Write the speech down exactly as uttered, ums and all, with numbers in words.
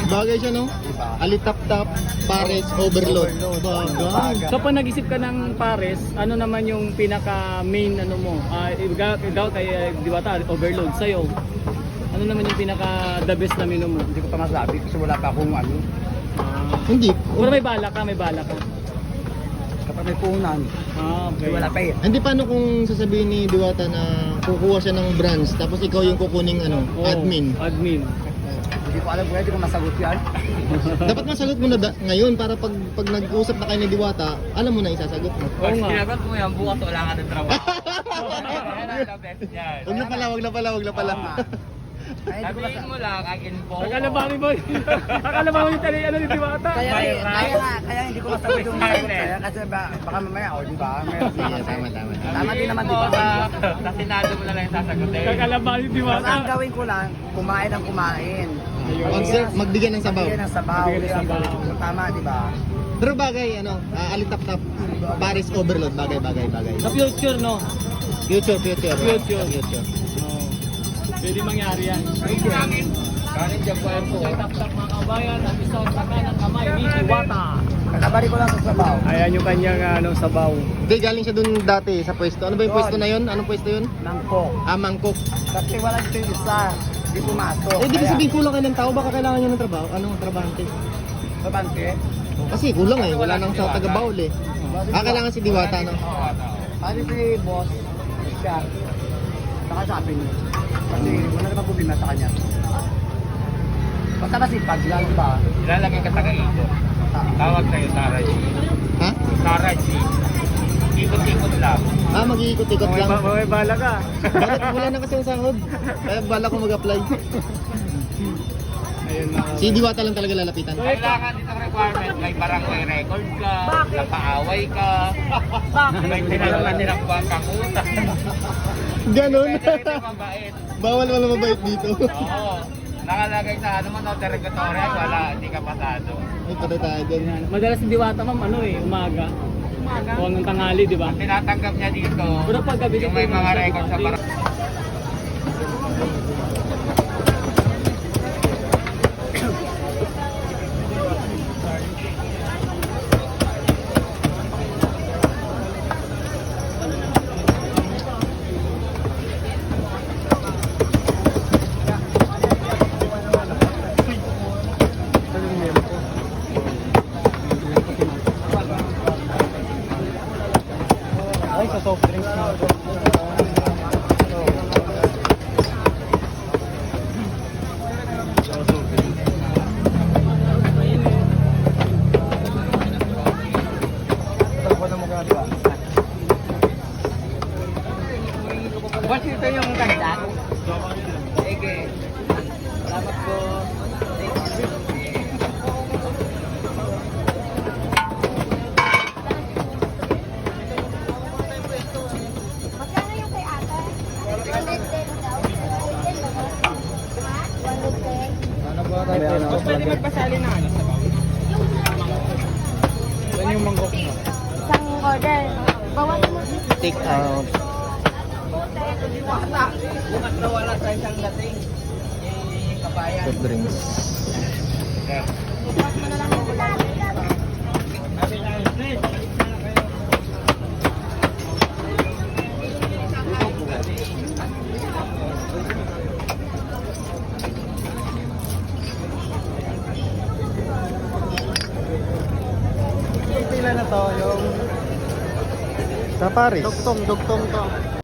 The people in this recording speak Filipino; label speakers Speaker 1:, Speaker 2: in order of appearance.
Speaker 1: Bagay siya, no?
Speaker 2: Diba?
Speaker 1: Alitap-tap, pares, overload. Bagay.
Speaker 3: So pag nag-isip ka ng pares, ano naman yung pinaka main ano mo? Ah, ikaw, ikaw kay Diwata, overload sa'yo. Ano naman yung pinaka the best na menu mo?
Speaker 2: Hindi ko pa masabi kasi wala pa akong ano.
Speaker 1: Hindi.
Speaker 3: Pero may bala ka, may bala ka.
Speaker 2: Kapag may puhunan,
Speaker 3: Ah, okay.
Speaker 2: wala pa eh.
Speaker 1: Hindi, paano kung sasabihin ni Diwata na kukuha siya ng branch tapos ikaw yung kukuning ano,
Speaker 3: Oo,
Speaker 1: admin.
Speaker 3: Admin.
Speaker 2: Hindi ko alam kung hindi ko masagot yan.
Speaker 1: Dapat masagot mo na da- ngayon para pag pag nag-usap na kayo ni Diwata, alam mo na isasagot mo.
Speaker 3: Oo nga.
Speaker 4: Sinagot mo yan, bukas wala ka ng trabaho. Yan ang the best yan.
Speaker 1: Wag na pala, wag na pala, wag na pala.
Speaker 2: Ay, hindi ko
Speaker 4: Sabihin
Speaker 2: masagot.
Speaker 4: mo lang, I can po.
Speaker 3: Akalabawi mo. Akalabawi mo tali ano ni Diwata.
Speaker 2: Kaya,
Speaker 4: May
Speaker 2: kaya,
Speaker 4: right.
Speaker 2: kaya, kaya hindi ko masagot yung
Speaker 4: Right.
Speaker 2: masagot kaya kasi ba, baka mamaya, o di ba? Meron
Speaker 1: Sige,
Speaker 2: din
Speaker 1: tama, tama.
Speaker 2: Tama din naman, di
Speaker 4: Sabihin mo
Speaker 2: ba?
Speaker 4: sa, sa Senado mo na lang yung sasagutin.
Speaker 3: Akalabawi ni
Speaker 2: Basta
Speaker 3: Diwata.
Speaker 2: ang gawin ko lang, kumain ng kumain.
Speaker 1: Mag- magbigyan ng sabaw.
Speaker 2: Magbigyan ng sabaw.
Speaker 3: Magbigyan ng sabaw.
Speaker 2: Tama, di ba?
Speaker 1: Pero bagay, ano, uh, alitap-tap, pares, overload, bagay, bagay, bagay.
Speaker 3: Sa future, no?
Speaker 1: Future, future.
Speaker 3: Future.
Speaker 1: Future.
Speaker 3: Oo. Pwede mangyari yan.
Speaker 4: Kanin dyan pa yan po.
Speaker 3: Okay, tap-tap mga kabayan. Ang isang sa kanang kamay ni Diwata.
Speaker 2: Kakabali ko lang sa sabaw.
Speaker 3: Ayan yung kanyang ano, sabaw.
Speaker 1: Hindi, galing siya dun dati sa pwesto. Ano ba yung
Speaker 2: Yun.
Speaker 1: pwesto na yun? Anong pwesto yun?
Speaker 2: Mangkok.
Speaker 1: Ah, mangkok.
Speaker 2: Kasi wala dito yung isa. Hindi pumasok.
Speaker 1: Eh, di ba
Speaker 2: Kaya-
Speaker 1: sabihin kulang kayo ng tao? Baka kailangan nyo ng trabaho? Anong trabahante?
Speaker 2: Babante?
Speaker 1: Kasi kulang eh.
Speaker 4: Kasi
Speaker 1: Wala
Speaker 4: wala
Speaker 1: nang
Speaker 4: si
Speaker 1: sa
Speaker 4: Diwata.
Speaker 1: taga-baul eh. Ah, kailangan si Diwata, no?
Speaker 2: Pati si boss, siya, nakasabi niya. Kasi wala naman problema sa kanya. Basta masipag lang ba?
Speaker 4: Ilalagay ka taga-ito. Tawag sa'yo, Sarah G.
Speaker 1: Ha?
Speaker 4: Sarah G. Ikot-ikot lang.
Speaker 1: Ah, mag-iikot-ikot
Speaker 3: May,
Speaker 1: lang.
Speaker 3: ba- may bala ka.
Speaker 1: Bakit wala na kasi ang sahod? Kaya bala ko mag-apply.
Speaker 3: Ayun na.
Speaker 1: Si Diwata lang talaga lalapitan.
Speaker 4: Kailangan dito ang requirement, may barangay record ka, napaaway ka, may tinalaman nilang buwang kakutan.
Speaker 1: Ganon.
Speaker 4: Pwede rin yung mabait.
Speaker 1: Bawal wala mabait dito.
Speaker 4: Oo. Nakalagay sa ano mo, no, derogatory, wala, hindi ka pasado.
Speaker 1: Ay, patay tayo dyan.
Speaker 3: Ayan. Madalas si Diwata, ma'am, ano eh, umaga. Umaga? O hanggang tanghali, di ba?
Speaker 4: Tinatanggap niya dito,
Speaker 3: Pero pag gabi
Speaker 4: yung may mga record sa barangay.
Speaker 3: Ay, sa soft drinks na.
Speaker 4: Boss, ito yung ganda. Sige. Salamat po.
Speaker 5: Magkano yung kay ate? one ten daw. one ten.
Speaker 3: Mas pwede magpasali na ano? Saan yung mangkok mo?
Speaker 5: Isang order. Bawasan mo.
Speaker 1: Take out.
Speaker 4: Bukas na wala sa isang dating. Eh, kabayan.
Speaker 1: Soft drinks.
Speaker 5: Bukas mo na lang yung ulan.
Speaker 2: Yung pila na to, yung
Speaker 1: Sa Paris.
Speaker 2: dugtong, dugtong to.